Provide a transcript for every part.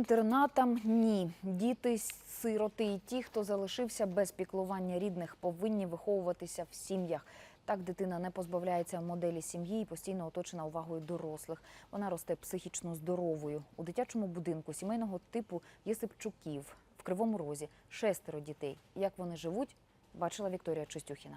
Інтернатам – ні. Діти-сироти і ті, хто залишився без піклування рідних, повинні виховуватися в сім'ях. Так дитина не позбавляється моделі сім'ї і постійно оточена увагою дорослих. Вона росте психічно здоровою. У дитячому будинку сімейного типу Єсипчуків в Кривому Розі 6 дітей. Як вони живуть, бачила Вікторія Чистюхіна.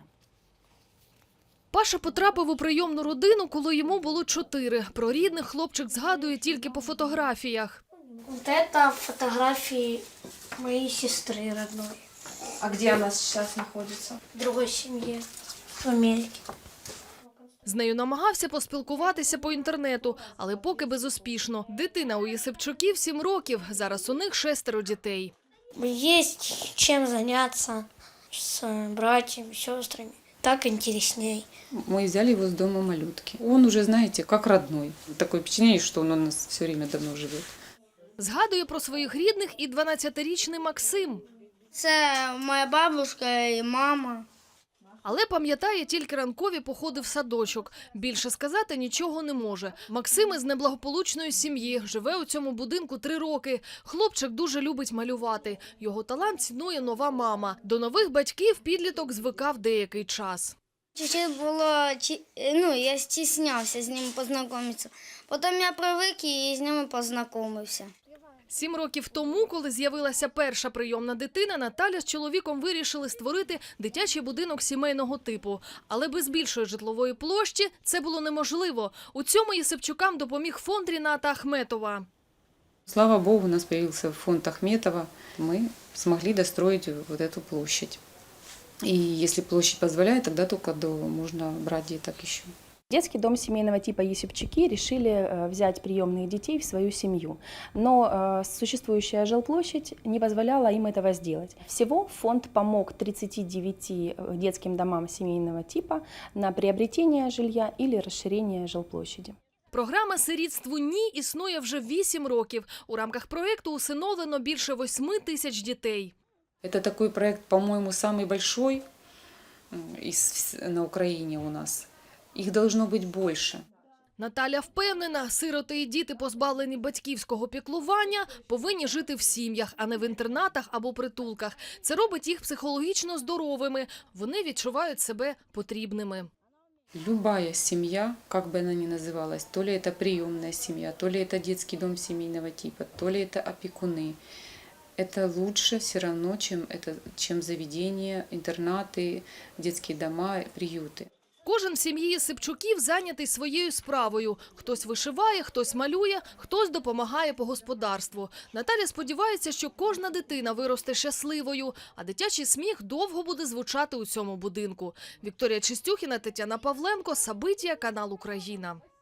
Паша потрапив у прийомну родину, коли йому було 4. Про рідних хлопчик згадує тільки по фотографіях. Вот это фотографии моей сестры родной. А где она сейчас находится? В другой семье. В Америке. З нею намагався поспілкуватися по інтернету, але поки безуспішно. Дитина у Єсипчуків 7 років, зараз у них 6 дітей. Есть чем заняться с братьями, сестрами. Так интересней. Мы взяли его с дома малютки. Он уже, знаете, как родной. Такое впечатление, что он у нас все время давно живет. Згадує про своїх рідних і 12-річний Максим. Це моя бабушка і мама. Але пам'ятає тільки ранкові походи в садочок. Більше сказати нічого не може. Максим із неблагополучної сім'ї, живе у цьому будинку 3 роки. Хлопчик дуже любить малювати. Його талант цінує нова мама. До нових батьків підліток звикав деякий час. Чуть-чуть було, я стіснявся з ними познайомитися. Потім я привик і з ними познайомився. 7 років тому, коли з'явилася перша прийомна дитина, Наталя з чоловіком вирішили створити дитячий будинок сімейного типу. Але без більшої житлової площі це було неможливо. У цьому Єсипчукам допоміг фонд Ріната Ахметова. Слава Богу, у нас появился фонд Ахметова. Мы смогли достроить вот эту площадь. И если площадь позволяет, тогда только можно брать деток еще. Детский дом семейного типа Єсипчуки решили взять приемных детей в свою семью, но существующая жилплощадь не позволяла им этого сделать. Всего фонд помог 39 детским домам семейного типа на приобретение жилья или расширение жилплощади. Програма «Сирітству ні» існує вже 8 років. У рамках проєкту усиновлено більше 8 тисяч дітей. Это такой проект, по-моему, самый большой на Украине у нас. Их должно быть больше. Наталя впевнена, сироти і діти, позбавлені батьківського піклування, повинні жити в сім'ях, а не в інтернатах або притулках. Це робить їх психологічно здоровими. Вони відчувають себе потрібними. Любая семья, как бы она ни называлась, то ли это приемная семья, то ли это детский дом семейного типа, то ли это опекуны, это лучше все равно, чем заведения, интернаты, детские дома, приюты. Кожен в сім'ї Єсипчуків зайнятий своєю справою. Хтось вишиває, хтось малює, хтось допомагає по господарству. Наталя сподівається, що кожна дитина виросте щасливою, а дитячий сміх довго буде звучати у цьому будинку. Вікторія Чистюхіна, Тетяна Павленко, Сабитія, канал Україна.